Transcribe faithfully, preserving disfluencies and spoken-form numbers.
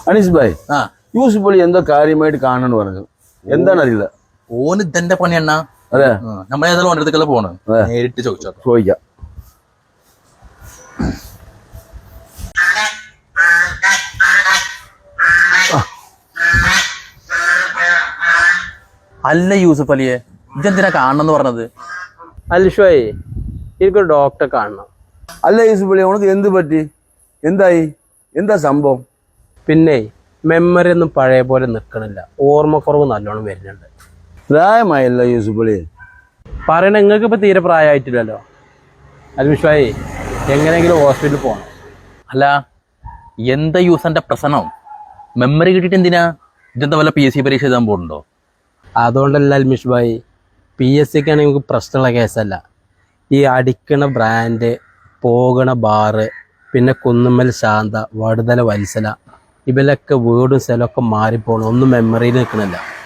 അനീസ് ഭായ് യൂസുഫ് അലി എന്തോ കാര്യമായിട്ട് കാണണമെന്ന് പറഞ്ഞു. എന്താണ് അറിയില്ല. ഓന് ഇതെന്റെ പണി എണ്ണ. അതെ, നമ്മളേതായാലും ഓൻ്റെ അടുത്തേക്കല്ലേ പോണ്. നേരിട്ട് ചോദിച്ചോ. ചോദിക്കാം. അല്ല യൂസുഫ് അലിയെ, ഇതെന്തിനാ കാണണമെന്ന് പറഞ്ഞത്? അൽഷോയെ, എനിക്കൊരു ഡോക്ടറെ കാണണം. അല്ല യൂസുഫ് അലി, ഉനക്ക് എന്ത് പറ്റി? എന്തായി? എന്താ സംഭവം? പിന്നെ മെമ്മറി ഒന്നും പഴയ പോലെ നിൽക്കണില്ല. ഓർമ്മക്കുറവ് നല്ലോണം വരുന്നുണ്ട്. പ്രായമായല്ല യൂസുഫ് അലി. പറയണ നിങ്ങൾക്ക് ഇപ്പം തീരെ പ്രായമായിട്ടില്ലല്ലോ. അൽമിഷായി, എങ്ങനെയെങ്കിലും ഹോസ്പിറ്റലിൽ പോകണം. അല്ല, എന്താ യൂസന്റെ പ്രശ്നം? മെമ്മറി കിട്ടിയിട്ട് എന്തിനാ? ഇതെന്താ വല്ല പി എസ് സി പരീക്ഷ എഴുതാൻ പോകുന്നുണ്ടോ? അതുകൊണ്ടല്ല അൽമിഷ് ഭായി, പി എസ് സിക്ക് ആണെങ്കിൽ നമുക്ക് പ്രശ്നമുള്ള കേസല്ല. ഈ അടിക്കണ ബ്രാൻഡ്, പോകണ ബാറ്, പിന്നെ കുന്നുമ്മൽ ശാന്ത, വടുതല വത്സല, ഇവരൊക്കെ വീടും സ്ഥലമൊക്കെ മാറിപ്പോകണം. ഒന്നും മെമ്മറിയിൽ നിൽക്കണില്ല.